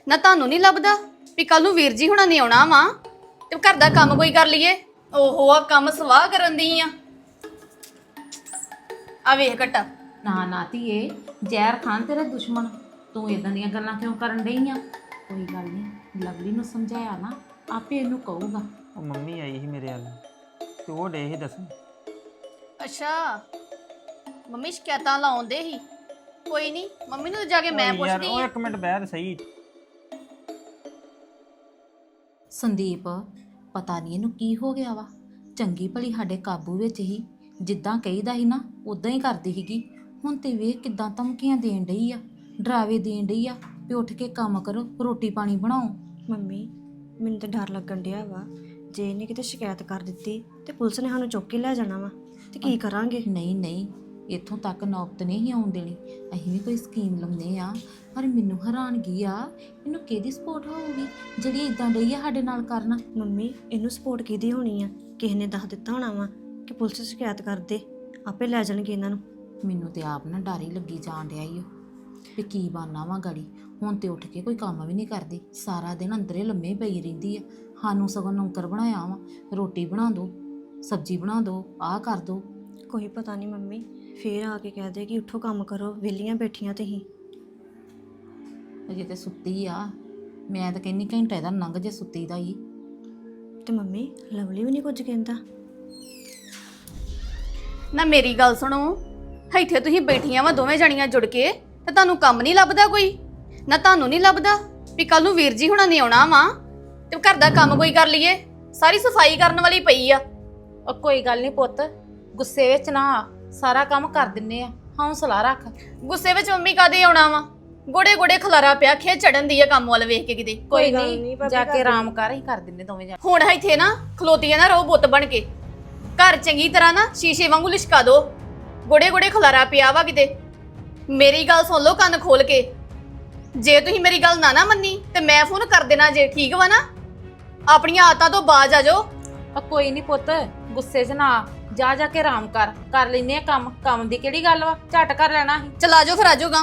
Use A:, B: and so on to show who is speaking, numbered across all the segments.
A: ਨਾ ਤੁਹਾਨੂੰ ਨਹੀਂ ਲੱਭਦਾ ਵੀ ਕੱਲ ਨੂੰ ਵੀਰ ਜੀ ਹੁਣਾਂ ਨੇ ਆਉਣਾ ਵਾ ਤੇ ਘਰ ਦਾ ਕੰਮ ਕੋਈ ਕਰ ਲਈਏ। ਓਹੋ ਆ ਕੰਮ ਸਵਾਹ ਕਰਨ ਦੀ ਆ ਵੇਖ ਘਟਾ।
B: ਨਾ ਨਾ ਧੀਏ, ਜ਼ਹਿਰ ਖਾਨ ਤੇਰੇ ਦੁਸ਼ਮਣ। ਤੂੰ ਇਦਾਂ ਦੀਆਂ ਗੱਲਾਂ ਕਿਉਂ ਕਰਨ ਡਈ ਆ? ਕੋਈ ਗੱਲ ਨਹੀਂ, ਲਵਲੀ ਨੂੰ ਸਮਝਾਇਆ ਨਾ, ਆਪੇ ਇਹਨੂੰ ਕਹੂਗਾ।
C: ਉਹ ਮੰਮੀ ਆਈ ਸੀ ਮੇਰੇ ਵੱਲ ਤੇ ਉਹ ਡੇ ਸੀ ਦੱਸਣ।
A: ਅੱਛਾ ਮੰਮੀ ਸ਼ਿਕਾਇਤਾਂ ਲਾਉਂਦੇ ਹੀ। ਕੋਈ ਨਹੀਂ ਮੰਮੀ ਨੂੰ ਜਾ ਕੇ ਮੈਂ
C: ਓਏ ਯਾਰ
A: ਪੁੱਛਦੀ
C: ਉਹ
A: ਆ।
C: ਇੱਕ ਮਿੰਟ ਬਹਿ ਤੇ ਸਹੀ।
B: ਸੰਦੀਪ, ਪਤਾ ਨਹੀਂ ਇਹਨੂੰ ਕੀ ਹੋ ਗਿਆ ਵਾ। ਚੰਗੀ ਭਲੀ ਸਾਡੇ ਕਾਬੂ ਵਿੱਚ ਹੀ, ਜਿੱਦਾਂ ਕਹੀਦਾ ਸੀ ਨਾ ਉਦਾਂ ਹੀ ਕਰਦੀ ਸੀਗੀ। ਹੁਣ ਤੇ ਵੇਖ ਕਿੱਦਾਂ ਧਮਕੀਆਂ ਦੇਣ ਡਈ ਆ, ਡਰਾਵੇ ਦੇਣ ਡਈ ਆ ਵੀ ਉੱਠ ਕੇ ਕੰਮ ਕਰੋ, ਰੋਟੀ ਪਾਣੀ ਬਣਾਓ।
D: ਮੰਮੀ ਮੈਨੂੰ ਤਾਂ ਡਰ ਲੱਗਣ ਡਿਆ ਵਾ, ਜੇ ਇਹਨੇ ਕਿਤੇ ਸ਼ਿਕਾਇਤ ਕਰ ਦਿੱਤੀ ਤੇ ਪੁਲਿਸ ਨੇ ਸਾਨੂੰ ਚੁੱਕ ਕੇ ਲੈ ਜਾਣਾ ਵਾ ਤੇ ਕੀ ਕਰਾਂਗੇ?
B: ਨਹੀਂ ਨਹੀਂ, ਇੱਥੋਂ ਤੱਕ ਨੌਬਤ ਨਹੀਂ ਆਉਣ ਦੇਣੀ। ਅਸੀਂ ਵੀ ਕੋਈ ਸਕੀਮ ਲਾਉਂਦੇ ਆ, ਪਰ ਮੈਨੂੰ ਹੈਰਾਨਗੀ ਆ ਇਹਨੂੰ ਕਿਹਦੀ ਸਪੋਰਟ ਹੋਊਗੀ ਜਿਹੜੀ ਇਦਾਂ ਡਈ ਆ ਸਾਡੇ ਨਾਲ ਕਰਨਾ।
D: ਮੰਮੀ ਇਹਨੂੰ ਸਪੋਰਟ ਕਿਹਦੀ ਹੋਣੀ ਆ? ਕਿਸੇ ਨੇ ਦੱਸ ਦਿੱਤਾ ਹੋਣਾ ਵਾ ਕਿ ਪੁਲਿਸ ਸ਼ਿਕਾਇਤ ਕਰਦੇ, ਆਪੇ ਲੈ ਜਾਣਗੇ ਇਹਨਾਂ ਨੂੰ।
B: ਮੈਨੂੰ ਤੇ ਆਪ ਨਾ ਡਰ ਹੀ ਲੱਗੀ ਜਾਣ ਡਿਆ ਈ ਓ ਵੀ ਕੀ ਬਾਨਾ ਵਾ ਗਾੜੀ। ਹੁਣ ਤੇ ਉੱਠ ਕੇ ਕੋਈ ਕੰਮ ਵੀ ਨਹੀਂ ਕਰਦੀ, ਸਾਰਾ ਦਿਨ ਅੰਦਰੇ ਲੰਮੇ ਪਈ ਰਹਿੰਦੀ ਆ। ਸਾਨੂੰ ਸਗੋਂ ਨੌਕਰ ਬਣਾਇਆ ਵਾ, ਰੋਟੀ ਬਣਾ ਦੋ, ਸਬਜ਼ੀ ਬਣਾ ਦੋ, ਆਹ ਕਰ ਦੋ।
D: ਕੋਈ ਪਤਾ ਨਹੀਂ ਮੰਮੀ, ਫੇਰ ਆ ਕੇ ਕਹਿ ਦੇ ਕਿ ਉੱਠੋ ਕੰਮ ਕਰੋ, ਵਿਹਲੀਆਂ ਬੈਠੀਆਂ ਤੁਸੀਂ।
B: ਅਜੇ ਤੇ ਸੁੱਤੀ ਆ, ਮੈਂ ਤਾਂ ਕਹਿੰਨੀ ਘੰਟਾ ਇਹਦਾ ਲੰਘ ਜੇ ਸੁੱਤੀ ਦਾ ਹੀ।
D: ਤੇ ਮੰਮੀ ਲਵਲੀ ਵੀ ਨਹੀਂ ਕੁਝ ਕਹਿੰਦਾ?
A: ਨਾ ਮੇਰੀ ਗੱਲ ਸੁਣੋ, ਇੱਥੇ ਤੁਸੀਂ ਬੈਠੀਆਂ ਵਾ ਦੋਵੇਂ ਜਣੀਆਂ ਜੁੜ ਕੇ ਤੇ ਤੁਹਾਨੂੰ ਕੰਮ ਨਹੀਂ ਲੱਭਦਾ ਕੋਈ? ਨਾ ਤੁਹਾਨੂੰ ਨਹੀਂ ਲੱਭਦਾ ਵੀ ਕੱਲ ਨੂੰ ਵੀਰ ਜੀ ਹੁਣਾਂ ਨੇ ਆਉਣਾ ਵਾ ਤੇ ਘਰ ਦਾ ਕੰਮ ਕੋਈ ਕਰ ਲਈਏ? ਸਾਰੀ ਸਫਾਈ ਕਰਨ ਵਾਲੀ ਪਈ ਆ।
B: ਉਹ ਕੋਈ ਗੱਲ ਨਹੀਂ ਪੁੱਤ, ਗੁੱਸੇ ਵਿੱਚ ਨਾ ਆ, ਸਾਰਾ ਕੰਮ ਕਰ ਦਿੰਨੇ ਆ, ਹੌਸਲਾ ਰੱਖ।
A: ਗੁੱਸੇ ਵਿੱਚ ਮੰਮੀ ਕਾਦੇ ਆਉਣਾ ਵਾ? ਗੋੜੇ ਗੋੜੇ ਖਲਾਰਾ ਪਿਆ, ਖੇ ਚੜਨ ਦੀ ਆ ਕੰਮ ਵੱਲ ਵੇਖ ਕੇ ਕਿਤੇ।
B: ਕੋਈ ਨਹੀਂ, ਜਾ ਕੇ ਆਰਾਮ ਕਰ, ਹੀ ਕਰ ਦਿੰਨੇ ਦੋਵੇਂ ਜਾਣੇ।
A: ਹੁਣ ਇੱਥੇ ਨਾ ਖਲੋਤੀਆਂ ਨਾ ਰਹੋ ਬੁੱਤ ਬਣ ਕੇ, ਘਰ ਚੰਗੀ ਤਰ੍ਹਾਂ ਨਾ ਸ਼ੀਸ਼ੇ ਵਾਂਗੂ ਲਿਸ਼ਕਾ ਦੋ। ਗੋੜੇ ਗੋੜੇ ਖਲਾਰਾ ਪਿਆ ਵਾ ਕਿਤੇ। ਮੇਰੀ ਗੱਲ ਸੁਣ ਲਓ ਕੰਨ ਖੋਲ ਕੇ, ਜੇ ਤੁਸੀਂ ਮੇਰੀ ਗੱਲ ਨਾ ਮੰਨੀ ਤੇ ਮੈਂ ਫੋਨ ਕਰ ਦੇਣਾ ਜੇ, ਠੀਕ ਵਾ ਨਾ? ਆਪਣੀਆਂ ਆਦਤਾਂ ਤੋਂ ਬਾਜ਼ ਆ ਜਾਓ।
B: ਕੋਈ ਨਹੀਂ ਪੁੱਤ, ਗੁੱਸੇ 'ਚ ਨਾ ਆ, ਜਾ ਕੇ ਆਰਾਮ ਕਰ ਲੈਨੇ ਆ ਕੰਮ। ਕੰਮ ਦੀ ਕਿਹੜੀ ਗੱਲ ਵਾ, ਝਟ ਕਰ ਲੈਣਾ ਸੀ।
A: ਚਲ ਆਜੋ ਫਿਰ ਆਜੋਗਾ।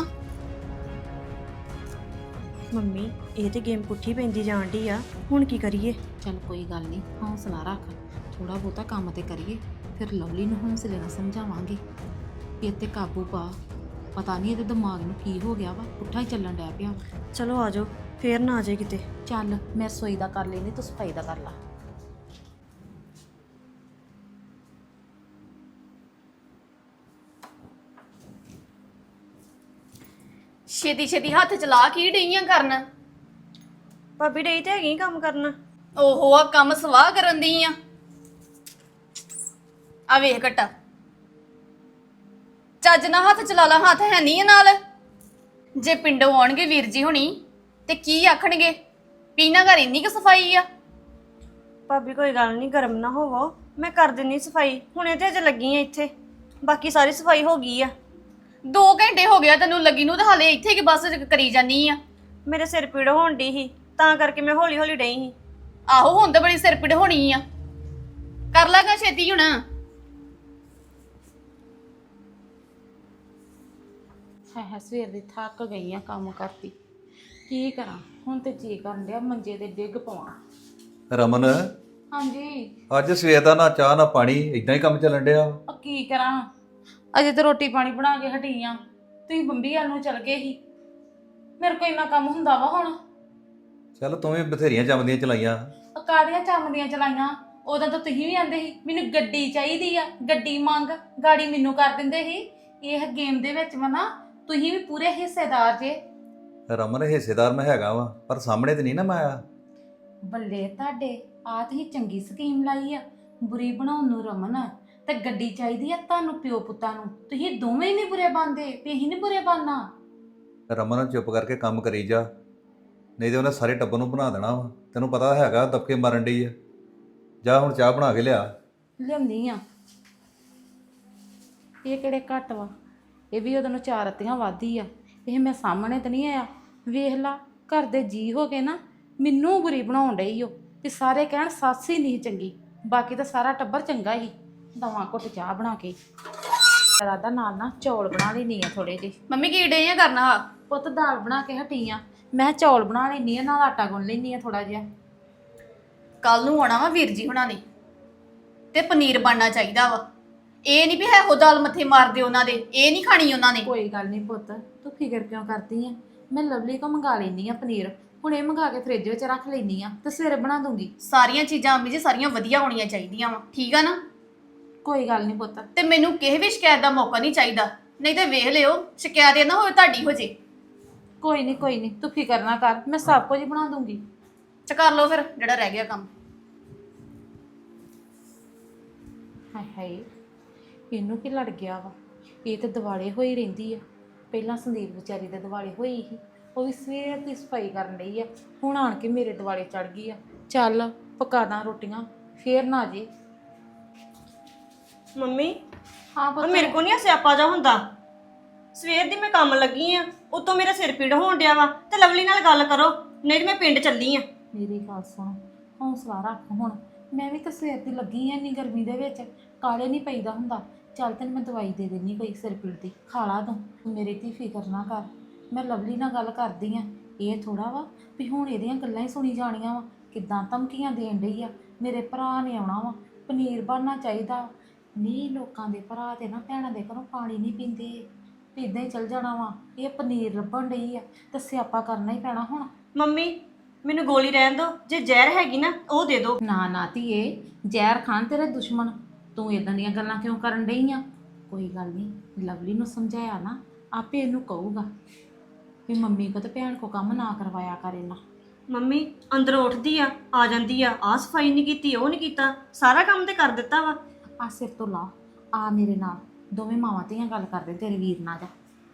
D: ਮੰਮੀ ਇਹ ਤੇ ਗੇਮ ਪੁੱਠੀ ਪੈਂਦੀ ਜਾਣ ਡਈ ਆ, ਹੁਣ ਕੀ ਕਰੀਏ?
B: ਚੱਲ ਕੋਈ ਗੱਲ ਨਹੀਂ, ਹੌਸਲਾ ਰੱਖ, ਥੋੜਾ ਬਹੁਤਾ ਕੰਮ ਤੇ ਕਰੀਏ, ਫਿਰ ਲਵਲੀ ਨੂੰ ਹੌਸਲੇ ਨਾਲ ਸਮਝਾਵਾਂਗੇ ਕਿ ਇੱਥੇ ਕਾਬੂ ਪਾ। ਪਤਾ ਨਹੀਂ ਇਹਦੇ ਦਿਮਾਗ ਨੂੰ ਕੀ ਹੋ ਗਿਆ ਵਾ, ਪੁੱਠਾ ਹੀ ਚੱਲਣ ਡਿਆ ਪਿਆ।
D: ਚਲੋ ਆ ਜਾਓ, ਫੇਰ ਨਾ ਆ ਜਾਏ ਕਿਤੇ।
B: ਚੱਲ ਮੈਂ ਰਸੋਈ ਦਾ ਕਰ ਲੈਣੀ, ਤੂੰ ਸਫਾਈ ਦਾ ਕਰ ਲਾ।
A: ਛੇਤੀ ਛੇਤੀ ਹੱਥ ਚਲਾ ਕੀ ਡਈਆਂ ਕਰਨ?
D: ਭਾਬੀ ਡਈ ਤੇ ਹੈਗੀ ਕੰਮ ਕਰਨਾ।
A: ਓਹੋ ਆ ਕੰਮ ਸਵਾਹ ਕਰਨ ਦੀ ਆ ਵੇਖ ਘਟਾ। ਚੱਜ ਨਾਲ ਹੱਥ ਚਲਾ ਲਾ, ਹੱਥ ਹੈ ਨਹੀਂ ਨਾਲ। ਜੇ ਪਿੰਡੋਂ ਆਉਣਗੇ ਵੀਰ ਜੀ ਹੁਣੀ ਤੇ ਕੀ ਆਖਣਗੇ? ਪੀਣਾ ਘਰ ਇੰਨੀ ਕੁ ਸਫਾਈ ਆ।
D: ਭਾਬੀ ਕੋਈ ਗੱਲ ਨਹੀਂ, ਗਰਮ ਨਾ ਹੋਵੋ, ਮੈਂ ਕਰ ਦਿੰਨੀ ਸਫਾਈ। ਹੁਣੇ ਤੇ ਅਜੇ ਲੱਗੀ ਆ ਇੱਥੇ, ਬਾਕੀ ਸਾਰੀ ਸਫਾਈ ਹੋ ਗਈ ਆ।
A: 2 ਘੰਟੇ ਹੋ ਗਿਆ ਤੈਨੂੰ ਲੱਗੀ ਨੂੰ ਤੇ ਹਾਲੇ ਇੱਥੇ ਕਿ ਬਸ ਕਰੀ ਜਾਨੀ ਆ।
D: ਮੇਰੇ ਸਿਰ ਪੀੜ ਹੋਣ ਡਈ ਸੀ, ਤਾਂ ਕਰਕੇ ਮੈਂ ਹੌਲੀ ਹੌਲੀ ਡਈ ਸੀ।
A: ਆਹੋ ਹੁਣ ਤਾਂ ਬੜੀ ਸਿਰ ਪੀੜ ਹੋਣੀ ਆ, ਕਰ ਲਾਗਾ ਛੇਤੀ ਹੁਣ।
B: ਹੈ ਸਵੇਰ ਦੀ ਥੱਕ ਗਈ ਆ ਕੰਮ ਕਰਤੀ, ਕੀ ਕਰਾਂ? ਹੁਣ ਤੇ ਜੀ ਕਰਨ ਡਿਆ ਮੰਜੇ ਤੇ ਡਿੱਗ ਪਵਾਂ।
E: ਰਮਨ,
B: ਹਾਂਜੀ।
E: ਅੱਜ ਸਵੇਰ ਦਾ ਨਾ ਚਾਹ ਨਾ ਪਾਣੀ, ਇਦਾਂ ਹੀ ਕੰਮ ਚੱਲਣ ਡਿਆ।
B: ਉਹ ਕੀ ਕਰਾਂ, ਅਜੇ ਤੇ ਰੋਟੀ ਪਾਣੀ ਬਣਾ ਕੇ ਹਟੀ ਆ। ਤੁਸੀਂ ਬੰਬੀ ਵੱਲ ਨੂੰ ਚਲ ਗਏ ਸੀ, ਮੇਰੇ ਕੋਲ ਇੰਨਾ ਕੰਮ ਹੁੰਦਾ ਵਾ ਹੁਣ।
E: ਚੱਲ ਤੂੰ ਵੀ ਬਥੇਰੀਆਂ ਜੰਮਦੀਆਂ ਚਲਾਈਆਂ।
B: ਕਾਹਦੀਆਂ ਚੰਮਦੀਆਂ ਚਲਾਈਆਂ? ਉਦੋਂ ਤਾਂ ਤੁਸੀਂ ਵੀ ਆਂਦੇ ਸੀ ਮੈਨੂੰ ਗੱਡੀ ਚਾਹੀਦੀ ਆ, ਗੱਡੀ ਮੰਗ, ਗਾੜੀ ਮੈਨੂੰ ਕਰ ਦਿੰਦੇ ਸੀ। ਇਹ ਗੇਮ ਦੇ ਵਿੱਚ ਵਾ ਨਾ, ਤੁਸੀਂ ਵੀ ਪੂਰੇ ਹਿੱਸੇਦਾਰ ਜੇ।
E: ਰਮਨ ਹਿੱਸੇਦਾਰ ਮੈਂ ਹੈਗਾ ਵਾ, ਪਰ ਸਾਹਮਣੇ ਤੇ ਨਹੀਂ ਨਾ ਮੈਂ ਆਇਆ।
B: ਬੱਲੇ ਤੁਹਾਡੇ, ਆਹ ਤੁਸੀਂ ਚੰਗੀ ਸਕੀਮ ਲਾਈ ਆ ਬੁਰੀ ਬਣਾਉਣ ਨੂੰ ਰਮਨ। ਤੇ ਗੱਡੀ ਚਾਹੀਦੀ ਆ ਤੁਹਾਨੂੰ ਪਿਓ ਪੁੱਤਾਂ ਨੂੰ, ਤੁਸੀਂ ਦੋਵੇਂ ਹੀ ਨਹੀਂ ਬੁਰੇ ਬਣਦੇ ਤੇ ਅਸੀਂ ਨਹੀਂ ਬੁਰੇ ਬਣਨਾ।
E: ਰਮਨ ਚੁੱਪ ਕਰਕੇ ਕੰਮ ਕਰੀ ਜਾ, ਨਹੀਂ ਤੇ ਉਹਨੇ ਸਾਰੇ ਟੱਬਰ ਨੂੰ ਬਣਾ ਦੇਣਾ ਵਾ। ਤੈਨੂੰ ਪਤਾ ਹੈਗਾ ਦਬਕੇ ਮਾਰਨ ਡਈ ਆ। ਜਾ ਹੁਣ ਚਾਹ ਬਣਾ ਕੇ ਲਿਆ।
B: ਲਿਆਉਂਦੀ ਆ। ਇਹ ਕਿਹੜੇ ਘੱਟ ਵਾ, ਇਹ ਵੀ ਉਹਦੋਂ ਨੂੰ 4 ਰੱਤੀਆਂ ਵਾਧੀ ਆ। ਇਹ ਮੈਂ ਸਾਹਮਣੇ ਤਾਂ ਨਹੀਂ ਆਇਆ, ਵੇਖ ਲਾ ਘਰ ਦੇ ਜੀ ਹੋ ਕੇ ਨਾ ਮੈਨੂੰ ਬੁਰੀ ਬਣਾਉਣ ਡਈ ਓ। ਤੇ ਸਾਰੇ ਕਹਿਣ ਸੱਸ ਹੀ ਨਹੀਂ ਚੰਗੀ, ਬਾਕੀ ਤਾਂ ਸਾਰਾ ਟੱਬਰ ਚੰਗਾ ਹੀ। ਦਵਾਂ ਘੁੱਟ ਚਾਹ ਬਣਾ ਕੇ ਰਾਦਾ ਨਾਲ ਨਾ ਚੌਲ ਬਣਾ ਲੈਣੀ ਆ ਥੋੜੇ ਜਿਹੇ।
A: ਮੰਮੀ ਕੀ ਡਈਆਂ ਕਰਨਾ?
B: ਪੁੱਤ ਦਾਲ ਬਣਾ ਕੇ ਹਟੀ ਆ, ਮੈਂ ਚੌਲ ਬਣਾ ਲੈਣੀ ਆ, ਨਾਲ ਆਟਾ ਗੁੰਨ ਲੈਣੀ ਆ ਥੋੜਾ ਜਿਹਾ।
A: ਕੱਲ ਨੂੰ ਆਉਣਾ ਵਾ ਵੀਰ ਜੀ ਹੁਣਾਂ ਨੇ, ਤੇ ਪਨੀਰ ਬਣਨਾ ਚਾਹੀਦਾ ਵਾ। ਇਹ ਨਹੀਂ ਵੀ ਹੈ ਹੋ ਦਾਲ ਮੱਥੇ ਮਾਰਦੇ ਉਹਨਾਂ ਦੇ, ਇਹ ਨਹੀਂ ਖਾਣੀ ਉਹਨਾਂ ਨੇ।
B: ਕੋਈ ਗੱਲ ਨਹੀਂ ਪੁੱਤ, ਤੂੰ ਫਿਕਰ ਕਿਉਂ ਕਰਦੀ ਆ? ਮੈਂ ਲਵਲੀ ਕੋ ਮੰਗਾ ਲੈਣੀ ਆ ਪਨੀਰ, ਹੁਣ ਇਹ ਮੰਗਾ ਕੇ ਫ੍ਰਿਜ ਵਿੱਚ ਰੱਖ ਲੈਣੀ ਆ ਤੇ ਸਵੇਰੇ ਬਣਾ ਦੂੰਗੀ।
A: ਸਾਰੀਆਂ ਚੀਜ਼ਾਂ ਅੰਮੀ ਜੀ ਸਾਰੀਆਂ ਵਧੀਆ ਹੋਣੀਆਂ ਚਾਹੀਦੀਆਂ ਵਾ, ਠੀਕ ਆ ਨਾ?
B: ਕੋਈ ਗੱਲ ਨਹੀਂ ਪੁੱਤ।
A: ਤੇ ਮੈਨੂੰ ਕਿਸੇ ਵੀ ਸ਼ਿਕਾਇਤ ਦਾ ਮੌਕਾ ਨਹੀਂ ਚਾਹੀਦਾ, ਨਹੀਂ ਤੇ ਵੇਖ ਲਿਓ ਸ਼ਿਕਾਇਤ ਇਹ ਨਾ ਹੋਵੇ ਤੁਹਾਡੀ ਹੋ ਜੇ।
B: ਕੋਈ ਨਹੀਂ, ਤੂੰ ਫਿਕਰ ਨਾ ਕਰ, ਮੈਂ ਸਭ ਕੁਝ ਬਣਾ ਦੂੰਗੀ।
A: ਚ ਕਰ ਲਓ ਫਿਰ ਜਿਹੜਾ ਰਹਿ ਗਿਆ ਕੰਮ।
B: ਹਾਏ ਹਾਏ, ਇਹਨੂੰ ਕੀ ਲੜ ਗਿਆ ਵਾ? ਇਹ ਤੇ ਦਿਵਾਲੇ ਹੋਈ ਰਹਿੰਦੀ ਆ। ਪਹਿਲਾਂ ਸੰਦੀਪ ਵਿਚਾਰੀ ਦੇ ਦਿਵਾਲੇ ਹੋਈ ਸੀ, ਉਹ ਵੀ ਸਵੇਰ ਦੀ ਸਫਾਈ ਕਰਨ ਲਈ ਆ, ਹੁਣ ਆਣ ਕੇ ਮੇਰੇ ਦਿਵਾਲੇ ਚੜ ਗਈ ਆ। ਚੱਲ ਪਕਾ ਦਾਂ ਰੋਟੀਆਂ, ਫੇਰ ਨਾ ਜੇ।
D: ਮੰਮੀ
B: ਹਾਂ
D: ਉਹ
B: ਪੁੱਤ।
D: ਮੇਰੇ ਕੋ ਨਹੀਂ ਸਿਆਪਾ ਜਾ ਹੁੰਦਾ। ਸਵੇਰ ਦੀ ਮੈਂ ਕੰਮ ਲੱਗੀ ਆ, ਉਤੋਂ ਮੇਰਾ ਸਿਰ ਪੀੜ ਹੋਣ ਡਿਆ ਵਾ, ਤੇ ਲਵਲੀ ਨਾਲ ਗੱਲ ਕਰੋ, ਨਹੀਂ ਤੇ ਮੈਂ ਪਿੰਡ ਚੱਲੀ ਆ।
B: ਮੇਰੀ ਗੱਲ ਸੁਣ, ਹੌਸਲਾ ਰੱਖ। ਹੁਣ ਮੈਂ ਵੀ ਤਾਂ ਸਵੇਰ ਦੀ ਲੱਗੀ ਆ, ਇੰਨੀ ਗਰਮੀ ਦੇ ਵਿੱਚ ਕਾਲੇ ਨਹੀਂ ਪਈਦਾ ਹੁੰਦਾ। ਚੱਲ ਤੈਨੂੰ ਮੈਂ ਦਵਾਈ ਦੇ ਦੇਣੀ ਕੋਈ ਸਿਰ ਪੀੜ ਦੀ, ਖਾ ਲਾ ਤੂੰ। ਮੇਰੀ ਧੀ ਫਿਕਰ ਨਾ ਕਰ, ਮੈਂ ਲਵਲੀ ਨਾਲ ਗੱਲ ਕਰਦੀ ਆ। ਇਹ ਥੋੜਾ ਵਾ ਵੀ ਹੁਣ ਇਹਦੀਆਂ ਗੱਲਾਂ ਹੀ ਸੁਣੀ ਜਾਣੀਆਂ ਵਾ, ਕਿੱਦਾਂ ਧਮਕੀਆਂ ਦੇਣ ਡਈ ਆ। ਮੇਰੇ ਭਰਾ ਨੇ ਆਉਣਾ ਵਾ, ਪਨੀਰ ਬਣਨਾ ਚਾਹੀਦਾ। ਨਹੀਂ, ਲੋਕਾਂ ਦੇ ਭਰਾ ਤੇ ਨਾ ਭੈਣਾਂ ਦੇ ਘਰੋਂ ਪਾਣੀ ਨਹੀਂ ਪੀਂਦੇ, ਤੇ ਇਦਾਂ ਹੀ ਚੱਲ ਜਾਣਾ ਵਾ। ਇਹ ਪਨੀਰ ਲੱਭਣ ਡਈ ਆ ਤੇ ਸਿਆਪਾ ਕਰਨਾ ਹੀ ਪੈਣਾ ਹੁਣ।
D: ਮੰਮੀ ਮੈਨੂੰ ਗੋਲੀ ਰਹਿਣ ਦਿਓ, ਜੇ ਜ਼ਹਿਰ ਹੈਗੀ ਨਾ ਉਹ ਦੇ ਦਿਓ।
B: ਨਾ ਧੀਏ, ਜ਼ਹਿਰ ਖਾਣ ਤੇਰੇ ਦੁਸ਼ਮਣ। ਤੂੰ ਇਦਾਂ ਦੀਆਂ ਗੱਲਾਂ ਕਿਉਂ ਕਰਨ ਡਈ ਆ? ਕੋਈ ਗੱਲ ਨਹੀਂ, ਲਵਲੀ ਨੂੰ ਸਮਝਾਇਆ ਨਾ, ਆਪੇ ਇਹਨੂੰ ਕਹੂਗਾ ਵੀ ਮੰਮੀ ਕੋ ਤੇ ਭੈਣ ਕੋ ਕੰਮ ਨਾ ਕਰਵਾਇਆ ਕਰ ਇਹਨਾਂ।
D: ਮੰਮੀ ਅੰਦਰੋਂ ਉੱਠਦੀ ਆ ਜਾਂਦੀ ਆ ਸਫਾਈ ਨਹੀਂ ਕੀਤੀ, ਉਹ ਨਹੀਂ ਕੀਤਾ, ਸਾਰਾ ਕੰਮ ਤੇ ਕਰ ਦਿੱਤਾ ਵਾ।
B: ਆ ਸਿਰ ਤੋਂ ਲਾ, ਆ ਮੇਰੇ ਨਾਲ, ਦੋਵੇਂ ਮਾਵਾਂ ਧੀਆਂ ਗੱਲ ਕਰਦੇ ਤੇਰੇ ਵੀਰ ਨਾਲ। ਜਾ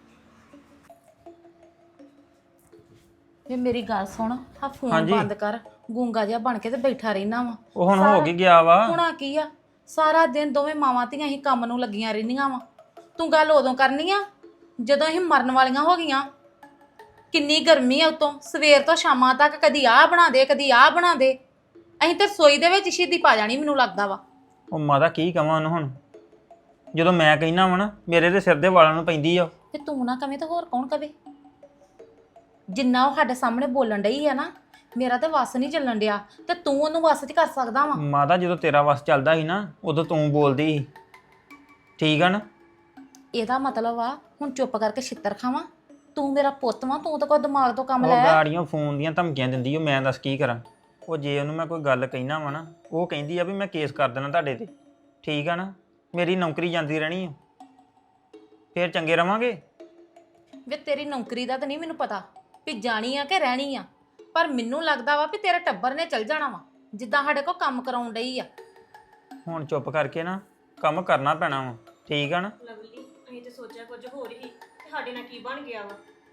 B: ਵੇ ਮੇਰੀ ਗੱਲ ਸੁਣ, ਆ ਫੋਨ
C: ਹਾਂਜੀ।
B: ਬੰਦ ਕਰ। ਗੂੰਗਾ ਜਿਹਾ ਬਣ ਕੇ ਤੇ ਬੈਠਾ ਰਹਿਣਾ ਵਾ।
C: ਉਹ ਹੁਣ ਹੋ ਕੀ ਗਿਆ ਵਾ?
B: ਹੁਣਾ ਕੀ ਆ, ਸਾਰਾ ਦਿਨ ਦੋਵੇਂ ਮਾਵਾਂ ਧੀਆਂ ਹੀ ਕੰਮ ਨੂੰ ਲੱਗੀਆਂ ਰਹਿੰਦੀਆਂ ਵਾ। ਤੂੰ ਗੱਲ ਉਦੋਂ ਕਰਨੀ ਆ ਜਦੋਂ ਅਸੀਂ ਮਰਨ ਵਾਲੀਆਂ ਹੋ ਗਈਆਂ। ਕਿੰਨੀ ਗਰਮੀ ਆ, ਉਤੋਂ ਸਵੇਰ ਤੋਂ ਸ਼ਾਮਾਂ ਤੱਕ ਕਦੀ ਆਹ ਬਣਾ ਦੇ ਕਦੀ ਆਹ ਬਣਾ ਦੇ। ਅਸੀਂ ਤੇ ਰਸੋਈ ਦੇ ਵਿੱਚ ਸ਼ੀਦੀ ਪਾ ਜਾਣੀ, ਮੈਨੂੰ ਲੱਗਦਾ ਵਾ।
C: ਉਹ ਮਾਤਾ ਕੀ ਕਵਾਂ ਉਹਨੂੰ ਹੁਣ, ਜਦੋਂ ਮੈਂ ਕਹਿਣਾ ਵਾ ਨਾ ਮੇਰੇ ਦੇ ਸਿਰ ਦੇ ਵਾਲਾਂ ਨੂੰ ਪੈਂਦੀ ਆ।
B: ਤੇ ਤੂੰ ਨਾ ਕਵੇਂ ਤਾਂ ਹੋਰ ਕੌਣ ਕਵੇ? ਜਿੰਨਾ ਉਹ ਸਾਡੇ ਸਾਹਮਣੇ ਬੋਲਣ ਡਈ ਆ ਨਾ, ਮੇਰਾ ਤੇ ਵੱਸ ਨਹੀਂ ਚੱਲਣ ਡਿਆ, ਤੇ ਤੂੰ ਉਹਨੂੰ ਵੱਸ 'ਚ ਕਰ ਸਕਦਾ ਵਾ।
C: ਮਾਤਾ ਜਦੋਂ ਤੇਰਾ ਵਸ ਚੱਲਦਾ ਸੀ ਨਾ, ਉਦੋਂ ਤੂੰ ਬੋਲਦੀ ਸੀ, ਠੀਕ ਆ ਨਾ?
B: ਇਹਦਾ ਮਤਲਬ ਆ ਹੁਣ ਚੁੱਪ ਕਰਕੇ ਛਿੱਤਰ ਖਾਵਾਂ? ਤੂੰ ਮੇਰਾ ਪੁੱਤ ਵਾ, ਤੂੰ ਤਾਂ ਕੋਈ ਦਿਮਾਗ ਤੋਂ ਕੰਮ
C: ਉਹ
B: ਲੈ।
C: ਗਾੜੀਆਂ ਫੋਨ ਦੀਆਂ ਧਮਕੀਆਂ ਦਿੰਦੀ ਉਹ, ਮੈਂ ਦੱਸ ਕੀ ਕਰਾਂ? ਉਹ ਜੇ ਉਹਨੂੰ ਮੈਂ ਕੋਈ ਗੱਲ ਕਹਿਣਾ ਵਾ ਨਾ, ਉਹ ਕਹਿੰਦੀ ਆ ਵੀ ਮੈਂ ਕੇਸ ਕਰ ਦੇਣਾ ਤੁਹਾਡੇ ਤੇ, ਠੀਕ ਆ ਨਾ? ਮੇਰੀ ਨੌਕਰੀ ਜਾਂਦੀ ਰਹਿਣੀ ਆ, ਫੇਰ ਚੰਗੇ ਰਵਾਂਗੇ।
B: ਵੇ ਤੇਰੀ ਨੌਕਰੀ ਦਾ ਤਾਂ ਨਹੀਂ ਮੈਨੂੰ ਪਤਾ ਵੀ ਜਾਣੀ ਆ ਕਿ ਰਹਿਣੀ ਆ, ਪਰ ਮੈਨੂੰ ਲੱਗਦਾ ਵਾ ਵੀ ਤੇਰੇ ਟੱਬਰ ਨੇ ਚੱਲ ਜਾਣਾ ਵਾ, ਜਿੱਦਾਂ ਸਾਡੇ ਕੋਲ ਕੰਮ ਕਰਾਉਣ ਡਈ ਆ।
C: ਹੁਣ ਚੁੱਪ ਕਰਕੇ ਨਾ ਕੰਮ ਕਰਨਾ ਪੈਣਾ ਵਾ, ਠੀਕ ਆ ਨਾ?
D: ਲਵਲੀ ਅਸੀਂ ਤੇ ਸੋਚਿਆ ਕੁਝ ਹੋਰ ਹੀ, ਤੇ ਸਾਡੇ ਨਾਲ ਕੀ ਬਣ ਗਿਆ ਵਾ।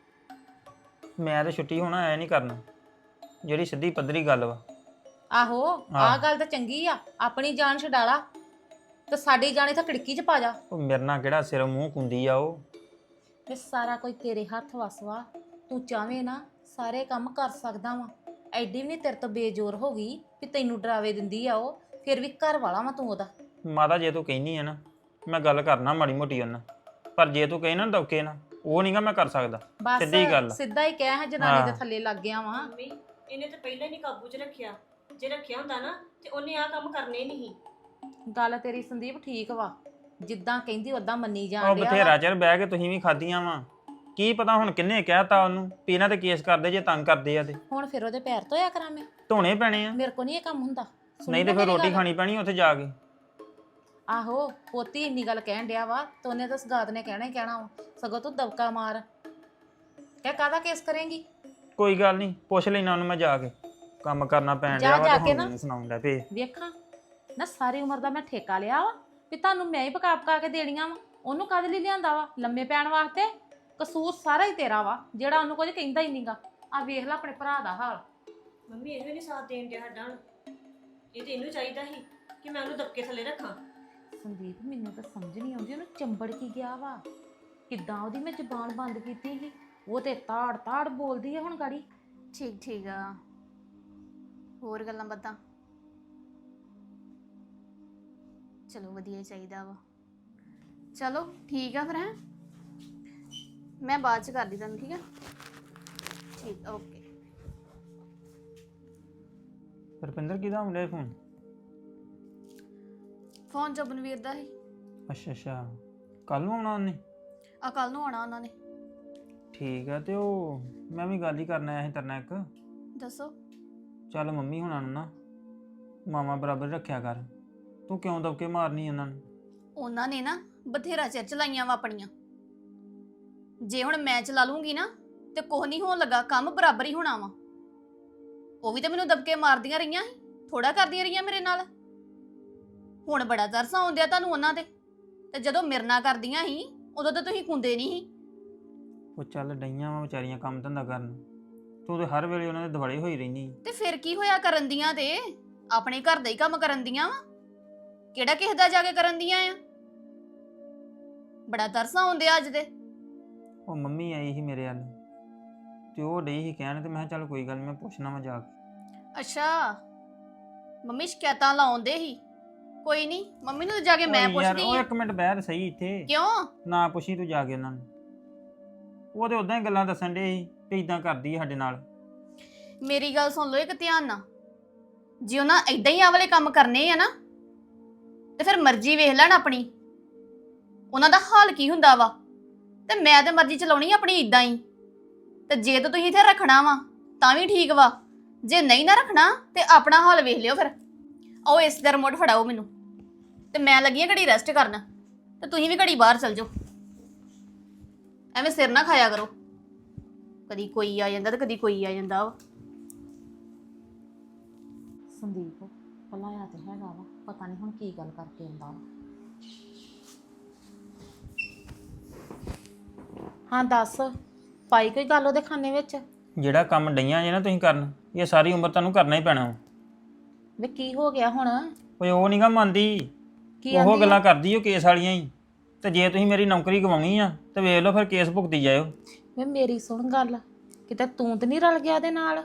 C: ਮੈਂ ਤੇ ਛੁੱਟੀ ਹੋਣਾ ਐ ਨਹੀਂ ਕਰਨਾ, ਜਿਹੜੀ ਸਿੱਧੀ ਪੱਧਰੀ ਗੱਲ ਵਾ।
B: ਆਹੋ, ਆਹ ਗੱਲ ਤਾਂ ਚੰਗੀ ਆ, ਆਪਣੀ ਜਾਨ ਛਡਾਲਾ ਤੇ ਸਾਡੀ ਜਾਨ ਇੱਥੇ ਖਿੜਕੀ 'ਚ ਪਾ ਜਾ।
C: ਉਹ ਮੇਰੇ ਨਾਲ ਕਿਹੜਾ ਸਿਰ ਮੂੰਹ ਕੁੰਦੀ ਆ ਉਹ।
B: ਤੇ ਸਾਰਾ ਕੁਝ ਤੇਰੇ ਹੱਥ ਵਸਵਾ, ਤੂੰ ਚਾਹਵੇਂ ਨਾ ਸਾਰੇ ਕੰਮ ਕਰ ਸਕਦਾ ਵਾ। ਐਡੀ ਵੀ ਨਹੀਂ ਤੇਰੇ ਤੋਂ ਬੇਜੋਰ ਹੋ ਗਈ ਵੀ ਤੈਨੂੰ ਡਰਾਵੇ ਦਿੰਦੀ ਆ ਉਹ, ਫਿਰ ਵੀ ਘਰ ਵਾਲਾ ਵਾ ਤੂੰ ਉਹਦਾ।
C: ਮਾਤਾ ਜੇ ਤੂੰ ਕਹਿਨੀ ਆ ਨਾ, ਮੈਂ ਗੱਲ ਕਰਨਾ ਮਾੜੀ ਮੋਟੀ ਉਹਨਾਂ, ਪਰ ਜੇ ਤੂੰ ਕਹੇ ਨਾ ਦੌਕੇ ਨਾ, ਉਹ ਨਹੀਂਗਾ ਮੈਂ ਕਰ ਸਕਦਾ। ਸਿੱਧੀ ਗੱਲ
B: ਬਸ ਸਿੱਧਾ ਹੀ ਕਹਿ, ਹੈ ਜਨਾਨੀ ਦੇ ਥੱਲੇ ਲੱਗ ਗਿਆ ਵਾ।
D: ਮੰਮੀ ਇਹਨੇ ਤੇ ਪਹਿਲਾਂ ਹੀ ਨਹੀਂ ਕਾਬੂ 'ਚ ਰੱਖਿਆ, ਜੇ ਰੱਖਿਆ ਹੁੰਦਾ ਨਾ ਤੇ ਉਹਨੇ ਆਹ ਕੰਮ ਕਰਨੇ ਨਹੀਂ।
B: ਗੱਲ ਤੇਰੀ ਸੰਦੀਪ ਠੀਕ ਵਾ, ਜਿੱਦਾਂ ਕਹਿੰਦੀ ਉਦਾਂ ਮੰਨੀ
C: ਉਹ
B: ਜਾਣ ਡਿਆ
C: ਬਥੇਰਾ
B: ਵਾ।
C: ਚਿਰ ਬਹਿ ਕੇ ਤੁਸੀਂ ਵੀ ਖਾਧੀਆਂ ਵਾ, ਕੀ ਪਤਾ ਹੁਣ ਕਿੰਨੇ ਕਹਿਤਾ ਉਹਨੂੰ ਵੀ ਇਹਨਾਂ ਤੇ ਕੇਸ ਕਰਦੇ ਜੇ ਤੰਗ ਕਰਦੇ ਆ ਤੇ
B: ਹੁਣ ਫਿਰ ਉਹਦੇ ਪੈਰ ਧੋਇਆ ਕਰਾਂ ਮੈਂ?
C: ਧੋਣੇ ਪੈਣੇ ਆ,
B: ਮੇਰੇ ਕੋ ਨਹੀਂ ਇਹ ਕੰਮ ਹੁੰਦਾ। ਸੁਣੀ
C: ਨਹੀਂ ਤੇ
B: ਨਾ
C: ਫਿਰ
B: ਮੇਰੀ
C: ਰੋਟੀ
B: ਗੱਲ?
C: ਖਾਣੀ ਪੈਣੀ ਉੱਥੇ ਜਾ ਕੇ।
B: ਆਹੋ, ਪੋਤੀ ਇੰਨੀ ਗੱਲ ਕਹਿਣ ਡਿਆ ਵਾ ਤੇ ਉਹਨੇ ਤਾਂ ਸਗਾਤ ਨੇ ਕਹਿਣਾ ਹੀ ਕਹਿਣਾ ਵਾ, ਸਗੋਂ ਤੂੰ ਦਬਕਾ ਮਾਰ ਕਹਿ ਕਾਹਦਾ ਕੇਸ ਕਰੇਂਗੀ।
C: ਕੋਈ ਗੱਲ ਨਹੀਂ, ਪੁੱਛ ਲੈਣਾ ਉਹਨੂੰ ਮੈਂ ਜਾ ਕੇ, ਕੰਮ ਕਰਨਾ ਪੈਣ
B: ਜਾ
C: ਡਿਆ ਵਾ
B: ਜਾ
C: ਤੇ
B: ਕੇ
C: ਹੁਣ
B: ਨਾ।
C: ਮੈਨੂੰ ਸੁਣਾਉਣ ਡਿਆ ਪਏ।
B: ਵੇਖਾਂ ਨਾ, ਸਾਰੀ ਉਮਰ ਦਾ ਮੈਂ ਠੇਕਾ ਲਿਆ ਵਾ ਵੀ ਤੁਹਾਨੂੰ ਮੈਂ ਹੀ ਪਕਾ ਕੇ ਦੇਣੀਆਂ ਵਾ। ਉਹਨੂੰ ਕਦ ਲਈ ਲਿਆਂਦਾ ਵਾ? ਲੰਮੇ ਪੈਣ ਵਾਸਤੇ। ਕਸੂਰ ਸਾਰਾ ਹੀ ਤੇਰਾ ਵਾ, ਜਿਹੜਾ ਉਹਨੂੰ ਕੁਝ ਕਹਿੰਦਾ ਹੀ ਨਹੀਂਗਾ। ਆ ਵੇਖ ਲੈ ਆਪਣੇ ਭਰਾ ਦਾ ਹਾਲ।
D: ਮੰਮੀ ਇਹਨੂੰ ਨਹੀਂ ਸਾਥ ਦੇਣ ਡਿਆ ਸਾਡਾ ਹੁਣ, ਇਹ ਤੇ ਇਹਨੂੰ ਚਾਹੀਦਾ ਸੀ ਕਿ ਮੈਂ ਉਹਨੂੰ ਦਬਕੇ ਥੱਲੇ ਰੱਖਾਂ।
B: ਸੰਦੀਪ ਮੈਨੂੰ ਤਾਂ ਸਮਝ ਨਹੀਂ ਆਉਂਦੀ ਉਹਨੂੰ ਚੰਬੜ ਕੀ ਗਿਆ ਵਾ, ਕਿੱਦਾਂ ਉਹਦੀ ਮੈਂ ਜ਼ੁਬਾਨ ਬੰਦ ਕੀਤੀ ਸੀ। ਉਹ ਤੇ ਤਾੜ ਤਾੜ ਬੋਲਦੀ ਹੈ ਹੁਣ ਗਾੜੀ।
A: ਠੀਕ ਆ, ਹੋਰ ਗੱਲਾਂ ਬਾਤਾਂ? ਚਲੋ ਵਧੀਆ ਹੀ ਚਾਹੀਦਾ ਵਾ। ਚਲੋ ਠੀਕ ਆ ਫਿਰ, ਹੈ ਮੈਂ ਬਾਅਦ ਚ ਕਰਦੀ ਤੁਹਾਨੂੰ, ਠੀਕ ਆ? ਠੀਕ ਓਕੇ।
C: ਰੁਪਿੰਦਰ ਕਿਹਦਾ ਆਉਂਦਾ ਫੋਨ?
A: ਫੋਨ ਜਬਨਵੀਰ ਦਾ ਹੀ।
C: ਅੱਛਾ ਅੱਛਾ, ਕੱਲ ਨੂੰ ਆਉਣਾ ਉਹਨੇ?
A: ਆ ਕੱਲ ਨੂੰ ਆਉਣਾ ਉਹਨਾਂ ਨੇ।
C: ਠੀਕ ਆ। ਤੇ ਉਹ ਮੈਂ ਵੀ ਗੱਲ ਹੀ ਕਰਨ ਆਇਆ ਸੀ ਤੇਰੇ ਨਾਲ ਇੱਕ।
A: ਦੱਸੋ।
C: ਚੱਲ ਮੰਮੀ ਹੁਣਾਂ ਨੂੰ ਨਾ ਮਾਵਾਂ ਬਰਾਬਰ ਰੱਖਿਆ ਕਰ, ਤੂੰ ਕਿਉਂ ਦਬਕੇ ਮਾਰਨੀ ਉਹਨਾਂ ਨੂੰ?
A: ਉਹਨਾਂ ਨੇ ਨਾ ਬਥੇਰਾ ਚਿਰ ਚਲਾਈਆਂ ਵਾ ਆਪਣੀਆਂ। ਜੇ ਹੁਣ ਮੈਂ ਚਲਾ ਲੂੰਗੀ ਨਾ ਤੇ ਕੁਛ ਨਹੀਂ ਹੋਣ ਲੱਗਾ, ਕੰਮ ਬਰਾਬਰ ਹੀ ਹੋਣਾ ਵਾ। ਉਹ ਵੀ ਤਾਂ ਮੈਨੂੰ ਦਬਕੇ ਮਾਰਦੀਆਂ ਰਹੀਆਂ ਸੀ, ਥੋੜਾ ਕਰਦੀਆਂ ਰਹੀਆਂ ਮੇਰੇ ਨਾਲ। ਹੁਣ ਬੜਾ ਤਰਸ ਆਉਂਦਿਆ ਤੁਹਾਨੂੰ ਉਹਨਾਂ ਤੇ, ਤੇ ਜਦੋਂ ਮੇਰੇ ਨਾਲ ਕਰਦੀਆਂ ਸੀ ਉਦੋਂ ਤਾਂ ਤੁਸੀਂ ਕੁੰਦੇ ਨਹੀਂ ਸੀ।
C: ਉਹ ਚੱਲ ਡਈਆਂ ਵਾ ਵਿਚਾਰੀਆਂ ਕੰਮ ਧੰਦਾ ਕਰਨ, ਤੂੰ ਤੇ ਹਰ ਵੇਲੇ ਉਹਨਾਂ ਦੇ ਦੁਆਲੇ ਹੋਈ ਰਹਿਨੀ।
A: ਤੇ ਫਿਰ ਕੀ ਹੋਇਆ ਕਰਨ ਦੀਆਂ? ਤੇ ਆਪਣੇ ਘਰ ਦਾ ਹੀ ਕੰਮ ਕਰਨ ਦੀਆਂ ਵਾ, ਕਿਹੜਾ ਕਿਸੇ ਦਾ ਜਾ ਕੇ ਕਰਨ ਦੀਆਂ ਆ। ਬੜਾ ਤਰਸ ਆਉਂਦਿਆ ਅੱਜ ਦੇ।
C: ਉਹ ਮੰਮੀ ਆਈ ਸੀ ਮੇਰੇ ਵੱਲ ਤੇ ਉਹ ਡਈ ਸੀ ਕਹਿਣ, ਤੇ ਮੈਂ ਕਿਹਾ ਚੱਲ ਕੋਈ ਗੱਲ ਨੀ, ਮੈਂ ਪੁੱਛਣਾ ਵਾ ਜਾ ਕੇ।
A: ਅੱਛਾ, ਮੰਮੀ ਸ਼ਿਕਾਇਤਾਂ ਲਾਉਂਦੇ ਹੀ। ਕੋਈ ਨਹੀਂ, ਮੰਮੀ ਨੂੰ ਜਾ ਕੇ ਮੈਂ
C: ਓਏ ਯਾਰ,
A: ਪੁੱਛਦੀ
C: ਉਹ
A: ਆਂ।
C: ਇੱਕ ਮਿੰਟ ਬਹਿ ਤੇ ਸਹੀ ਇੱਥੇ।
A: ਕਿਉਂ?
C: ਨਾ ਪੁੱਛੀ ਤੂੰ ਜਾ ਕੇ ਉਹਨਾਂ ਨੂੰ, ਉਹ ਤੇ ਉਦਾਂ ਹੀ ਗੱਲਾਂ ਦੱਸਣ ਡੇ ਸੀ ਵੀ ਇਦਾਂ ਕਰਦੀ ਆ ਸਾਡੇ ਨਾਲ।
A: ਮੇਰੀ ਗੱਲ ਸੁਣ ਲਓ ਇੱਕ ਧਿਆਨ ਨਾਲ। ਜੇ ਉਹਨਾਂ ਏਦਾਂ ਹੀ ਆ ਵਾਲੇ ਕੰਮ ਕਰਨੇ ਆ ਨਾ ਤੇ ਫਿਰ ਮਰਜ਼ੀ ਵੇਖ ਲੈਣ ਆਪਣੀ, ਉਹਨਾਂ ਦਾ ਹਾਲ ਕੀ ਹੁੰਦਾ ਵਾ। ਤੇ ਮੈਂ ਤੇ ਮਰਜ਼ੀ ਚਲਾਉਣੀ ਆਪਣੀ ਇਦਾਂ ਹੀ। ਤੇ ਜੇ ਤਾਂ ਤੁਸੀਂ ਇੱਥੇ ਰੱਖਣਾ ਵਾ ਤਾਂ ਵੀ ਠੀਕ ਵਾ, ਜੇ ਨਹੀਂ ਨਾ ਰੱਖਣਾ ਤੇ ਆਪਣਾ ਹਾਲ ਵੇਖ ਲਿਓ ਫਿਰ। ਆਓ ਇਸ ਦਾ ਰਿਮੋਟ ਫੜਾਓ ਮੈਨੂੰ, ਤੇ ਮੈਂ ਲੱਗੀ ਆ ਘੜੀ ਰੈਸਟ ਕਰਨ, ਤੇ ਤੁਸੀਂ ਵੀ ਘੜੀ ਬਾਹਰ ਚਲ ਜਾਓ। ਐਵੇਂ ਸਿਰ ਨਾ ਖਾਇਆ ਕਰੋ, ਕਦੀ ਕੋਈ ਆ ਜਾਂਦਾ ਤੇ ਕਦੀ ਕੋਈ ਆ ਜਾਂਦਾ ਵਾ।
B: ਸੰਦੀਪ ਭਲਾਇਆ ਤੇ ਹੈਗਾ ਵਾ, ਪਤਾ ਨਹੀਂ ਹੁਣ ਕੀ ਗੱਲ ਕਰਕੇ ਆਉਂਦਾ ਵਾ। ਹਾਂ ਦੱਸ, ਪਾਈ ਕੋਈ ਗੱਲ ਉਹਦੇ ਖਾਨੇ ਵਿੱਚ?
C: ਜਿਹੜਾ ਕੰਮ ਡਈਆਂ ਜੇ ਨਾ ਤੁਸੀਂ ਕਰਨ, ਇਹ ਸਾਰੀ ਉਮਰ ਤੁਹਾਨੂੰ ਕਰਨਾ ਹੀ ਪੈਣਾ ਵਾ।
B: ਵੇ ਕੀ ਹੋ ਗਿਆ ਹੁਣ?
C: ਓਏ ਉਹ ਨੀ ਗਾ ਮੰਨਦੀ,
B: ਕੀ
C: ਉਹ
B: ਆਂਦੀ
C: ਗੱਲਾਂ ਕਰਦੀ ਉਹ ਕੇਸ ਵਾਲੀਆਂ ਹੀ। ਤੇ ਜੇ ਤੁਸੀਂ ਮੇਰੀ ਨੌਕਰੀ ਗਵਾਉਣੀ ਆ ਤੇ ਵੇਖ ਲਓ ਫਿਰ ਕੇਸ ਭੁਗਤੀ ਜਾਇਓ।
B: ਵੇ ਮੇਰੀ ਸੁਣ ਗੱਲ, ਕਿਤੇ ਤੂੰ ਤੇ ਨਹੀਂ ਰਲ ਗਿਆ ਉਹਦੇ ਨਾਲ?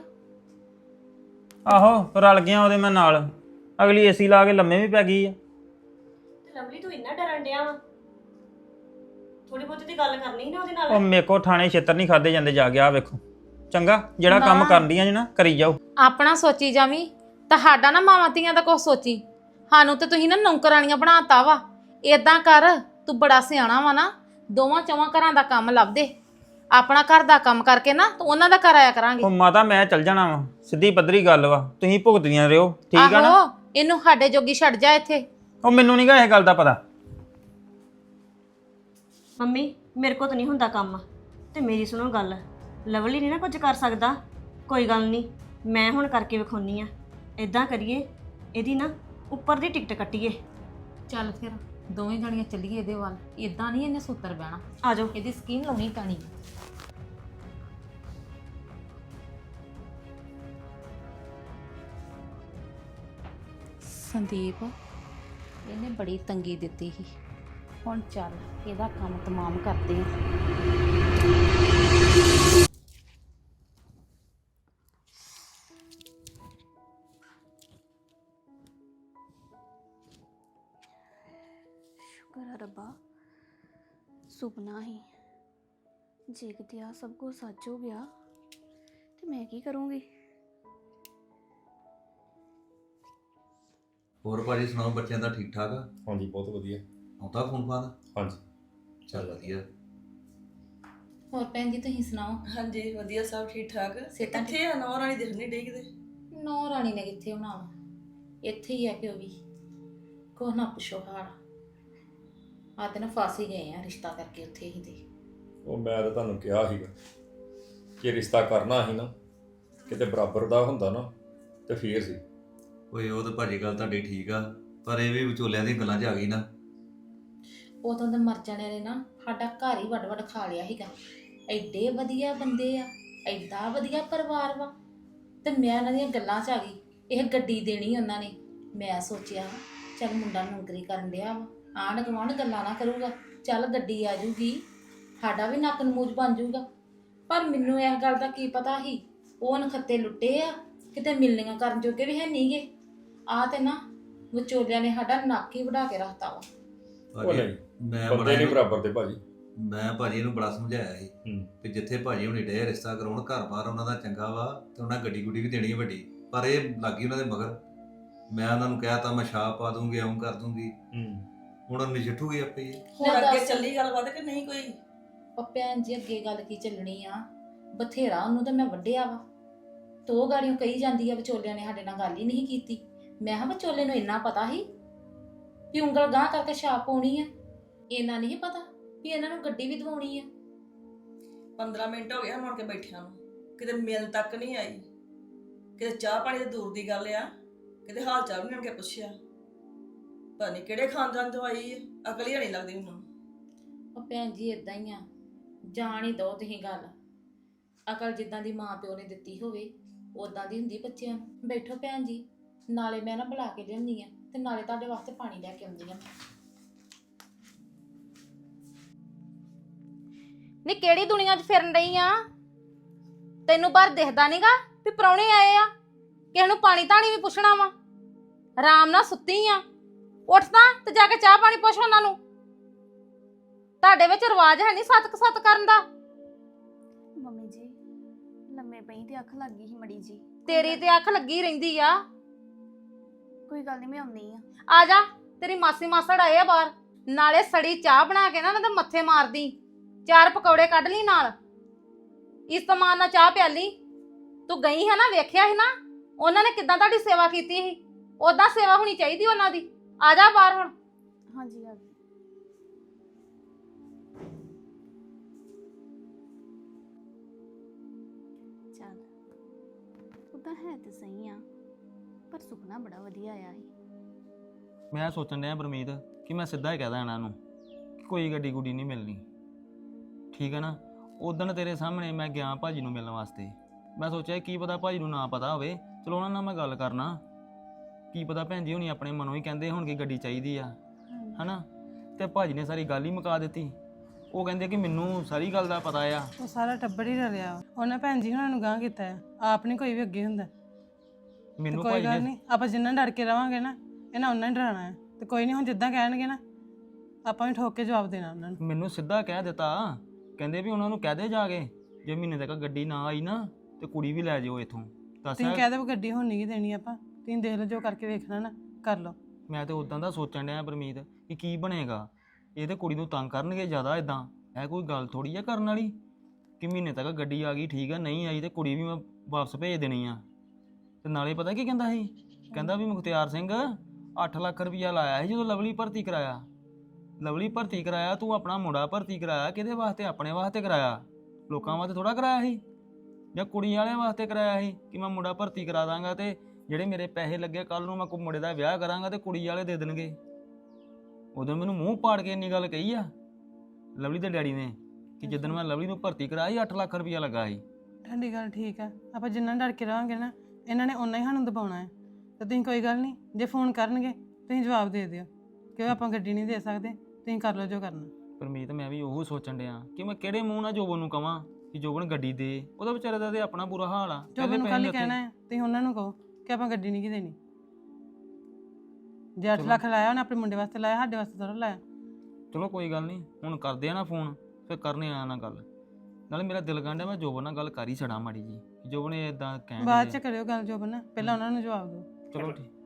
C: ਆਹੋ ਰਲ ਗਿਆ ਉਹਦੇ ਮੈਂ ਨਾਲ, ਅਗਲੀ ਏਸੀ ਲਾ ਕੇ ਲੰਮੇ ਵੀ ਪੈ ਗਈ ਆ।
D: ਤੇ ਲਵਲੀ ਤੂੰ ਇੰਨਾ ਡਰਨ ਡਿਆ ਵਾ, ਥੋੜੀ ਬਹੁਤੀ ਦੀ ਗੱਲ ਕਰਨੀ ਸੀ ਨਾ ਉਹਦੇ ਨਾਲ।
C: ਉਹ ਮੇਰੇ ਕੋ ਥਾਣੇ ਛੇਤਰ ਨਹੀਂ ਖਾਦੇ ਜਾਂਦੇ, ਜਾ ਗਿਆ ਵੇਖੋ। ਚੰਗਾ, ਜਿਹੜਾ ਕੰਮ
B: ਨਾ।
C: ਕਰਦੀਆਂ ਜੇ ਨਾ ਕਰੀ ਜਾਓ।
B: ਆਪਣਾ ਸੋਚੀ ਜਾਵੀਂ, ਤੁਹਾਡਾ ਨਾ ਮਾਵਾਂ ਧੀਆਂ ਦਾ ਕੁਛ ਸੋਚੀ। ਸਾਨੂੰ ਤੇ ਤੁਸੀਂ ਨਾ ਨੌਕਰਾਣੀਆਂ ਬਣਾਤਾ ਵਾ। ਏਦਾਂ ਕਰ, ਤੂੰ ਬੜਾ ਸਿਆਣਾ ਵਾ ਨਾ, ਦੋਵਾਂ ਚੌਵਾਂ ਘਰਾਂ ਦਾ ਕੰਮ ਲੱਭ ਦੇ। ਆਪਣਾ ਘਰ ਦਾ ਕੰਮ ਕਰਕੇ ਨਾ ਤੂੰ ਉਹਨਾਂ ਦਾ ਕਰਾਇਆ ਕਰਾਂਗੇ।
C: ਉਹ ਮਾਤਾ ਮੈਂ ਚੱਲ ਜਾਣਾ ਵਾ, ਸਿੱਧੀ ਪੱਧਰੀ ਗੱਲ ਵਾ, ਤੁਸੀਂ ਭੁਗਤਦੀਆਂ ਰਹੋ, ਠੀਕ ਆ ਨਾ?
B: ਆਹੋ, ਇਹਨੂੰ ਸਾਡੇ ਜੋਗੀ ਛੱਡ ਜਾ ਇੱਥੇ।
C: ਉਹ ਮੈਨੂੰ ਨਹੀਂ ਗਾ ਇਹ ਗੱਲ ਦਾ ਪਤਾ।
D: ਮੰਮੀ ਮੇਰੇ ਕੋਲ ਤਾਂ ਨਹੀਂ ਹੁੰਦਾ ਕੰਮ, ਤੇ ਮੇਰੀ ਸੁਣੋ ਗੱਲ, ਲਵਲੀ ਨਹੀਂ ਨਾ ਕੁਝ ਕਰ ਸਕਦਾ। ਕੋਈ ਗੱਲ ਨਹੀਂ, ਮੈਂ ਹੁਣ ਕਰਕੇ ਵਿਖਾਉਣੀ ਆ। ਇਦਾਂ ਕਰੀਏ, ਇਹਦੀ ਨਾ ਉੱਪਰ ਦੀ ਟਿਕਟ ਕੱਟੀਏ।
B: ਚੱਲ ਫਿਰ ਦੋਵੇਂ ਜਣੀਆਂ ਚੱਲੀਏ ਇਹਦੇ ਵੱਲ। ਇਦਾਂ ਨਹੀਂ ਇਹਨੇ ਸੁੱਤਰ ਬਹਿਣਾ,
D: ਆ ਜਾਓ।
B: ਇਹਦੀ ਸਕੀਮ ਲਾਉਣੀ ਪੈਣੀ। ਸੰਦੀਪ ਇਹਨੇ ਬੜੀ ਤੰਗੀ ਦਿੱਤੀ ਸੀ, ਹੁਣ ਚੱਲ ਇਹਦਾ ਕੰਮ ਤਮਾਮ ਕਰਦੇ ਆ।
A: ਸ਼ੁਕਰ ਹੈ ਰੱਬਾ, ਸੁਪਨਾ ਹੀ। ਜੇ ਕਿਤੇ ਆ ਸਭ ਕੁਝ ਸੱਚ ਹੋ ਗਿਆ ਤੇ ਮੈਂ ਕੀ ਕਰੂੰਗੀ?
E: ਹੋਰ ਭਾਜੀ ਸੁਣਾਓ, ਬੱਚਿਆਂ ਦਾ ਠੀਕ ਠਾਕ ਆ?
F: ਹਾਂਜੀ ਬਹੁਤ ਵਧੀਆ।
E: ਆਉਂਦਾ ਫੋਨ ਫਾਨ?
F: ਹਾਂਜੀ
E: ਚੱਲ ਵਧੀਆ।
B: ਹੋਰ ਭੈਣ ਜੀ ਤੁਸੀਂ ਸੁਣਾਓ?
G: ਹਾਂਜੀ ਵਧੀਆ, ਸਭ ਠੀਕ ਠਾਕ।
B: ਸਿਹਤਾਂ
G: ਕਿੱਥੇ ਆ ਨੌ ਰਾਣੀ? ਦਿਖਣੀ ਡੇ ਕਿਤੇ।
B: ਨੌ ਰਾਣੀ ਨੇ ਕਿੱਥੇ ਹੋਣਾ ਵਾ, ਇੱਥੇ ਹੀ ਆ ਪਿਓ ਵੀ। ਕੋਹ ਨਾ ਪੁੱਛੋ ਹਾਲ, ਆ ਤੇ ਨਾ ਫਸ ਹੀ ਗਏ ਆ ਰਿਸ਼ਤਾ ਕਰਕੇ ਉੱਥੇ ਹੀ ਤੇ।
F: ਉਹ ਮੈਂ ਤਾਂ ਤੁਹਾਨੂੰ ਕਿਹਾ ਸੀਗਾ ਕਿ ਰਿਸ਼ਤਾ ਕਰਨਾ ਸੀ ਨਾ, ਕਿਤੇ ਬਰਾਬਰ ਦਾ ਹੁੰਦਾ ਨਾ ਤੇ ਫੇਰ ਸੀ।
E: ਓਏ ਉਹ ਤਾਂ ਭਾਜੀ ਗੱਲ ਤੁਹਾਡੀ ਠੀਕ ਆ, ਪਰ ਇਹ ਵੀ ਵਿਚੋਲਿਆਂ ਦੀਆਂ ਗੱਲਾਂ 'ਚ ਆ ਗਈ ਨਾ।
B: ਉਦੋਂ ਤਾਂ ਮਰ ਜਾਣਿਆਂ ਨੇ ਨਾ ਸਾਡਾ ਘਰ ਹੀ ਵੱਡ ਵੱਡ ਖਾ ਲਿਆ ਸੀਗਾ। ਐਡੇ ਵਧੀਆ ਬੰਦੇ ਆ, ਐਡਾ ਵਧੀਆ ਪਰਿਵਾਰ ਵਾ, ਤੇ ਮੈਂ ਇਹਨਾਂ ਦੀਆਂ ਗੱਲਾਂ 'ਚ ਆ ਗਈ। ਇਹ ਗੱਡੀ ਦੇਣੀ ਉਹਨਾਂ ਨੇ। ਮੈਂ ਸੋਚਿਆ ਚੱਲ ਮੁੰਡਾ ਨੌਕਰੀ ਕਰਨ ਡਿਆ ਵਾ, ਆਂਢ ਗੁਆਂਢ ਗੱਲਾਂ ਨਾ ਕਰੂਗਾ, ਚੱਲ ਗੱਡੀ ਆ ਜੂਗੀ, ਸਾਡਾ ਵੀ ਨੱਕ ਨਮੂਜ ਬਣ ਜੂਗਾ। ਪਰ ਮੈਨੂੰ ਇਸ ਗੱਲ ਦਾ ਕੀ ਪਤਾ ਸੀ, ਉਹ ਨਖੱਤੇ ਲੁੱਟੇ ਆ, ਕਿਤੇ ਮਿਲਣੀਆਂ ਕਰਨ ਜੋਗੇ ਵੀ ਹੈ ਨਹੀਂਗੇ। ਆ ਤੇ ਨਾ ਵਿਚੋਲਿਆਂ ਨੇ ਸਾਡਾ ਨੱਕ ਹੀ ਵਢਾ ਕੇ ਰੱਖਤਾ ਵਾ।
F: ਉਹ ਨਹੀਂ,
E: ਮੈਂ
F: ਬੰਦੇ ਨਹੀਂ ਬਰਾਬਰ ਦੇ ਭਾਜੀ।
E: ਮੈਂ ਭਾਜੀ ਨੂੰ ਬੜਾ ਸਮਝਾਇਆ ਸੀ
F: ਹੂੰ
E: ਕਿ ਜਿੱਥੇ ਭਾਜੀ ਹੁਣੀ ਡੇ ਰਿਸ਼ਤਾ ਕਰਾਉਣ ਘਰ-ਬਾਰ ਉਹਨਾਂ ਦਾ ਚੰਗਾ ਵਾ ਤੇ ਉਹਨਾਂ ਗੱਡੀ ਗੁੱਡੀ ਵੀ ਦੇਣੀ ਹੈ ਵੱਡੀ, ਪਰ ਇਹ ਲੱਗੀ ਉਹਨਾਂ ਦੇ ਮਗਰ। ਮੈਂ ਉਹਨਾਂ ਨੂੰ ਕਿਹਾ ਤਾਂ ਮੈਂ ਛਾਪ ਪਾ ਦੂੰਗੀ, ਐਂ ਕਰ ਦੂੰਗੀ,
F: ਹੂੰ
E: ਹੁਣ ਉਹ ਨਜਿੱਠੂਗੀ ਆਪੇ ਹੀ।
G: ਹੁਣ ਅੱਗੇ ਚੱਲੀ ਗੱਲਬਾਤ ਕਿ ਨਹੀਂ ਕੋਈ?
B: ਉਹ ਭੈਣ ਜੀ ਅੱਗੇ ਗੱਲ ਕੀ ਚੱਲਣੀ ਆ, ਬਥੇਰਾ ਉਹਨੂੰ ਤਾਂ ਮੈਂ ਵੱਢਿਆ ਵਾ, ਤੋ ਗਾੜੀਆਂ ਕਹੀ ਜਾਂਦੀ ਆ ਵਿਚੋਲਿਆਂ ਨੇ ਸਾਡੇ ਨਾਲ ਗੱਲ ਹੀ ਨਹੀਂ ਕੀਤੀ। ਮੈਂ ਕਿਹਾ ਵਿਚੋਲੇ ਨੂੰ ਇੰਨਾ ਪਤਾ ਸੀ ਵੀ ਉਂਗਲ ਗਾਂਹ ਕਰਕੇ ਛਾਪ ਪਾਉਣੀ ਆ, ਇਹਨਾਂ ਨਹੀਂ ਪਤਾ ਵੀ ਇਹਨਾਂ ਨੂੰ ਗੱਡੀ ਵੀ ਦਵਾਉਣੀ ਆ।
G: 15 ਮਿੰਟ ਹੋ ਗਏ ਹਨ ਮੁੜ ਕੇ ਬੈਠਿਆਂ ਨੂੰ, ਕਿਤੇ ਮਿਲ ਤੱਕ ਨਹੀਂ ਆਈ, ਕਿਤੇ ਚਾਹ ਪਾਣੀ ਤੇ ਦੂਰ ਦੀ ਗੱਲ ਆ, ਕਿਤੇ ਹਾਲ ਚਾਲ ਵੀ ਨਹੀਂ ਕੇ ਪੁੱਛਿਆ। ਪਤਾ ਨਹੀਂ ਕਿਹੜੇ ਖਾਨਦਾਨ ਤੋਂ ਆਈ ਹੈ, ਅਕਲ ਹੀ ਨਹੀਂ ਲੱਗਦੀ ਮੈਨੂੰ।
B: ਉਹ ਭੈਣ ਜੀ ਇਦਾਂ ਹੀ ਆ, ਜਾਣ ਹੀ ਦੋ ਤੁਸੀਂ ਗੱਲ। ਅਕਲ ਜਿੱਦਾਂ ਦੀ ਮਾਂ ਪਿਓ ਨੇ ਦਿੱਤੀ ਹੋਵੇ ਉਦਾਂ ਦੀ ਹੁੰਦੀ ਬੱਚਿਆਂ ਨੂੰ। ਬੈਠੋ ਭੈਣ ਜੀ, ਨਾਲੇ ਮੈਂ ਨਾ ਬੁਲਾ ਕੇ ਲਿਆਉਂਦੀ ਆ ਤੇ ਨਾਲੇ ਤੁਹਾਡੇ ਵਾਸਤੇ ਪਾਣੀ ਲੈ ਕੇ ਆਉਂਦੀ ਆ।
A: ਨੀ ਕਿਹੜੀ ਦੁਨੀਆ 'ਚ ਫਿਰਨ ਰਹੀ ਆ? ਤੈਨੂੰ ਬਾਹਰ ਦਿਖਦਾ ਨਹੀਂਗਾ ਵੀ ਪ੍ਰਾਹੁਣੇ ਆਏ ਆ? ਕਿਸੇ ਨੂੰ ਪਾਣੀ ਧਾਣੀ ਵੀ ਪੁੱਛਣਾ ਵਾ? ਆਰਾਮ ਨਾਲ ਸੁੱਤੀ ਆ, ਉੱਠ ਤਾਂ ਤੇ ਜਾ ਕੇ ਚਾਹ ਪਾਣੀ ਪੁੱਛ ਉਹਨਾਂ ਨੂੰ। ਤੁਹਾਡੇ ਵਿੱਚ ਰਿਵਾਜ ਹੈ ਨਹੀਂ ਸਤ ਕਰਨ ਦਾ।
H: ਮੰਮੀ ਜੀ ਲੰਮੇ ਪਈ ਤੇ ਅੱਖ ਲੱਗ ਗਈ ਸੀ ਮੜੀ ਜੀ।
A: ਤੇਰੀ ਤੇ ਅੱਖ ਲੱਗੀ ਰਹਿੰਦੀ ਆ।
H: ਕੋਈ ਗੱਲ ਨਹੀਂ, ਮੈਂ ਆਉਂਦੀ ਆ।
A: ਆ ਜਾ, ਤੇਰੀ ਮਾਸੀ ਮਾਸੜ ਆਏ ਆ ਬਾਹਰ, ਨਾਲੇ ਸੜੀ ਚਾਹ ਬਣਾ ਕੇ ਨਾ ਉਹਨਾਂ ਦੇ ਮੱਥੇ ਮਾਰਦੀ, 4 ਪਕੌੜੇ ਕੱਢ ਲਈ ਨਾਲ, ਇਸਤਮਾਨ ਨਾਲ ਚਾਹ ਪਿਆਲੀ। ਤੂੰ ਗਈ ਹੈ ਨਾ, ਵੇਖਿਆ ਸੀ ਨਾ ਉਹਨਾਂ ਨੇ ਕਿੱਦਾਂ ਤੁਹਾਡੀ ਸੇਵਾ ਕੀਤੀ ਸੀ, ਉਦਾਂ ਸੇਵਾ ਹੋਣੀ ਚਾਹੀਦੀ ਉਹਨਾਂ ਦੀ। ਆ ਜਾ ਬਾਹਰ ਹੁਣ।
H: ਹਾਂਜੀ ਆ ਗਈ। ਚੱਲ ਉਦਾਂ ਹੈ ਤੇ ਸਹੀ ਆ, ਪਰ ਸੁਪਨਾ ਬੜਾ ਵਧੀਆ ਆਇਆ ਸੀ।
C: ਮੈਂ ਸੋਚਣ ਡਿਆ ਪਰਮੀਤ ਕਿ ਮੈਂ ਸਿੱਧਾ ਹੀ ਕਹਿ ਦਾਂ ਇਹਨਾਂ ਨੂੰ ਕਿ ਕੋਈ ਗੱਡੀ ਗੁੱਡੀ ਨਹੀਂ ਮਿਲਣੀ, ਠੀਕ ਹੈ ਨਾ। ਉਦਣ ਤੇਰੇ ਸਾਹਮਣੇ ਮੈਂ ਗਿਆ ਭਾਜੀ ਨੂੰ ਮਿਲਣ ਵਾਸਤੇ, ਮੈਂ ਸੋਚਿਆ ਕੀ ਪਤਾ ਭਾਜੀ ਨੂੰ ਨਾ ਪਤਾ ਹੋਵੇ, ਚਲੋ ਉਹਨਾਂ ਨਾਲ ਮੈਂ ਗੱਲ ਕਰਨਾ, ਕੀ ਪਤਾ ਭੈਣ ਜੀ ਹੁਣੀ ਆਪਣੇ ਮਨੋਂ ਹੀ ਕਹਿੰਦੇ ਹੁਣ ਕਿ ਗੱਡੀ ਚਾਹੀਦੀ ਆ, ਹਨਾ। ਤੇ ਭਾਜੀ ਨੇ ਸਾਰੀ ਗੱਲ ਹੀ ਮੁਕਾ ਦਿੱਤੀ। ਉਹ ਕਹਿੰਦੇ ਕਿ ਮੈਨੂੰ ਸਾਰੀ ਗੱਲ ਦਾ ਪਤਾ ਆ।
I: ਉਹ ਸਾਰਾ ਟੱਬਰ ਹੀ ਰਲਿਆ ਵਾ। ਉਹਨਾਂ ਭੈਣ ਜੀ ਹੁਣਾਂ ਨੂੰ ਗਾਂਹ ਕੀਤਾ ਆ, ਆਪ ਨਹੀਂ ਕੋਈ ਵੀ ਅੱਗੇ ਹੁੰਦਾ। ਤੇ
C: ਮੈਨੂੰ
I: ਕੋਈ
C: ਭਾਜੀ
I: ਗੱਲ
C: ਨੇ
I: ਨਹੀਂ, ਆਪਾਂ ਜਿੰਨਾ ਡਰ ਕੇ ਰਵਾਂਗੇ ਨਾ ਇਹਨਾਂ ਉਹਨਾਂ ਹੀ ਡਰਾਣਾ ਹੈ। ਤੇ ਕੋਈ ਨਹੀਂ, ਹੁਣ ਜਿੱਦਾਂ ਕਹਿਣਗੇ ਨਾ ਆਪਾਂ ਵੀ ਠੋਕ ਕੇ ਜਵਾਬ ਦੇਣਾ ਉਹਨਾਂ ਨੂੰ।
C: ਮੈਨੂੰ ਸਿੱਧਾ ਕਹਿ ਦਿੱਤਾ, ਕਹਿੰਦੇ ਵੀ ਉਹਨਾਂ ਨੂੰ ਕਹਿ ਦੇ ਜਾ ਕੇ ਜੇ ਮਹੀਨੇ ਤੱਕ ਗੱਡੀ ਨਾ ਆਈ ਨਾ ਤੇ ਕੁੜੀ ਵੀ ਲੈ ਜਾਓ ਇੱਥੋਂ।
I: ਤੁਸੀਂ ਕਹਿ ਦਿਓ ਗੱਡੀ ਹੁਣ ਨਹੀਂ ਦੇਣੀ, ਆਪਾਂ ਤੁਸੀਂ ਦੇਖ ਲਓ ਜੋ ਕਰਕੇ ਵੇਖਣਾ ਨਾ ਕਰ ਲਓ।
C: ਮੈਂ ਤੇ ਉਦਾਂ ਦਾ ਸੋਚਣ ਡਿਆ ਪਰਮੀਤ ਕਿ ਕੀ ਬਣੇਗਾ। ਇਹ ਤੇ ਕੁੜੀ ਨੂੰ ਤੰਗ ਕਰਨਗੇ ਜ਼ਿਆਦਾ। ਇਦਾਂ ਇਹ ਕੋਈ ਗੱਲ ਥੋੜੀ ਆ ਕਰਨ ਵਾਲੀ ਕਿ ਮਹੀਨੇ ਤੱਕ ਗੱਡੀ ਆ ਗਈ ਠੀਕ ਆ, ਨਹੀਂ ਆਈ ਤੇ ਕੁੜੀ ਵੀ ਮੈਂ ਵਾਪਸ ਭੇਜ ਦੇਣੀ ਆ। ਤੇ ਨਾਲੇ ਪਤਾ ਕੀ ਕਹਿੰਦਾ ਸੀ, ਕਹਿੰਦਾ ਵੀ ਮੁਖਤਿਆਰ ਸਿੰਘ 8 ਲੱਖ ਰੁਪਈਆ ਲਾਇਆ ਸੀ ਜਦੋਂ ਲਵਲੀ ਭਰਤੀ ਕਰਾਇਆ। ਲਵਲੀ ਭਰਤੀ ਕਰਾਇਆ, ਤੂੰ ਆਪਣਾ ਮੁੰਡਾ ਭਰਤੀ ਕਰਾਇਆ ਕਿਹਦੇ ਵਾਸਤੇ? ਆਪਣੇ ਵਾਸਤੇ ਕਰਾਇਆ, ਲੋਕਾਂ ਵਾਸਤੇ ਥੋੜਾ ਕਰਾਇਆ ਸੀ, ਜਾਂ ਕੁੜੀ ਵਾਲਿਆਂ ਵਾਸਤੇ ਕਰਾਇਆ ਸੀ ਕਿ ਮੈਂ ਮੁੰਡਾ ਭਰਤੀ ਕਰਾ ਦਾਂਗਾ ਤੇ ਜਿਹੜੇ ਮੇਰੇ ਪੈਸੇ ਲੱਗੇ ਕੱਲ ਨੂੰ ਮੈਂ ਕੋਈ ਮੁੰਡੇ ਦਾ ਵਿਆਹ ਕਰਾਂਗਾ ਤੇ ਕੁੜੀ ਵਾਲੇ ਦੇ ਦੇਣਗੇ। ਉਦੋਂ ਮੈਨੂੰ ਮੂੰਹ ਪਾੜ ਕੇ ਇੰਨੀ ਗੱਲ ਕਹੀ ਆ ਲਵਲੀ ਦੇ ਡੈਡੀ ਨੇ ਕਿ ਜਿੱਦਣ ਮੈਂ ਲਵਲੀ ਨੂੰ ਭਰਤੀ ਕਰਾਈ 8 ਲੱਖ ਰੁਪਈਆ ਲੱਗਾ ਸੀ।
I: ਠੰਡੀ ਗੱਲ ਠੀਕ ਆ, ਆਪਾਂ ਜਿੰਨਾ ਡਰ ਕੇ ਰਵਾਂਗੇ ਨਾ ਇਹਨਾਂ ਨੇ ਓਨਾ ਹੀ ਸਾਨੂੰ ਦਬਾਉਣਾ ਹੈ। ਤੇ ਤੁਸੀਂ ਕੋਈ ਗੱਲ ਨਹੀਂ, ਜੇ ਫੋਨ ਕਰਨਗੇ ਤੁਸੀਂ ਜਵਾਬ ਦੇ ਦਿਓ ਕਿ ਆਪਾਂ ਗੱਡੀ ਨਹੀਂ ਦੇ ਸਕਦੇ, ਤੁਸੀਂ ਕਰ ਲਓ ਜੋ ਕਰਨਾ।
C: ਪਰਮੀਤ ਮੈਂ ਵੀ ਉਹੋ ਸੋਚਣ ਡਿਆ ਕਿ ਮੈਂ ਕਿਹੜੇ ਮੂੰਹ ਨਾਲ ਜੋਬਨ ਨੂੰ ਕਵਾਂ ਕਿ ਜੋਬਨ ਗੱਡੀ ਦੇ, ਉਹਦਾ ਵਿਚਾਰੇ ਦਾ ਤੇ ਆਪਣਾ ਬੁਰਾ ਹਾਲ ਆ।
I: ਜੋ ਮੈਨੂੰ ਕੱਲ ਹੀ ਕਹਿਣਾ ਹੈ, ਤੁਸੀਂ ਉਹਨਾਂ ਨੂੰ ਕਹੋ ਕਿ ਆਪਾਂ ਗੱਡੀ ਨਹੀਂ ਦੇਣੀ। ਜੇ 8 ਲੱਖ ਲਾਇਆ ਉਹਨੇ ਆਪਣੇ ਮੁੰਡੇ ਵਾਸਤੇ ਲਾਇਆ, ਸਾਡੇ ਵਾਸਤੇ ਥੋੜਾ ਲਾਇਆ।
C: ਚਲੋ ਕੋਈ ਗੱਲ ਨਹੀਂ, ਹੁਣ ਕਰਦੇ ਆ ਨਾ ਫੋਨ, ਫਿਰ ਕਰਨੇ ਆ ਨਾ ਗੱਲ। ਨਾਲੇ ਮੇਰਾ ਦਿਲ ਗੰਢਿਆ, ਮੈਂ ਜੋਬਨ ਨਾਲ ਗੱਲ ਕਰ ਹੀ ਛੜਾ ਮਾੜੀ ਜੀ, ਜੋਬਨ ਇਦਾਂ ਕਹਿਣ
I: ਬਾਅਦ ਚ ਕਰਿਓ ਗੱਲ ਜੋਬਨ ਨਾਲ, ਪਹਿਲਾਂ ਉਹਨਾਂ ਨੂੰ ਜਵਾਬ ਦਿਓ।
C: ਚਲੋ ਠੀਕ।